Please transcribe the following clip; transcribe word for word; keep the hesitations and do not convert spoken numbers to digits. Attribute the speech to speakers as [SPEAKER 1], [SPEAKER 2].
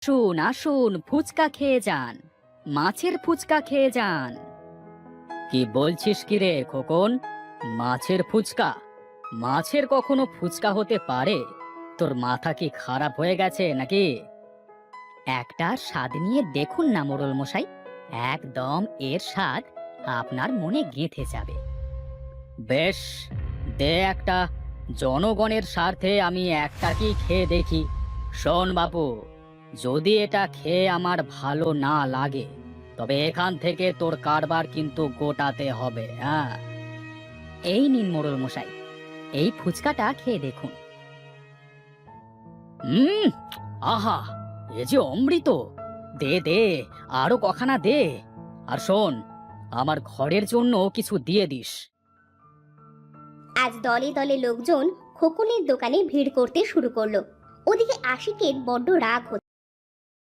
[SPEAKER 1] আসুন আসুন, ফুচকা খেয়ে যান, মাছের ফুচকা খেয়ে যান। কি বলছিস কি রে খোকন? মাছের ফুচকা? মাছের কখনো ফুচকা হতে পারে? তোর মাথা কি খারাপ হয়ে গেছে নাকি? একটা স্বাদ নিয়ে দেখুন না মোড়ল মশাই, একদম এর স্বাদ আপনার মনে গেঁথে যাবে। বেশ, দে একটা। জনগণের স্বার্থে আমি একটা কি খেয়ে দেখি। শোন বাপু, যদি এটা খেয়ে আমার ভালো না লাগে, তবে এখান থেকে তোর কারবার কিন্তু গোটাতে হবে। হ্যাঁ, এই নিন মোড়ল মশাই, এই ফুচকাটা খেয়ে দেখুন। হুম, আহা, এ যে অমৃত! দে দে, আরো কখানা দে। আর শোন, আমার ঘরের জন্য কিছু দিয়ে দিস।
[SPEAKER 2] আজ দলে দলে লোকজন খোকনের দোকানে ভিড় করতে শুরু করলো। ওদিকে আশিকের বড্ড রাগ হচ্ছে।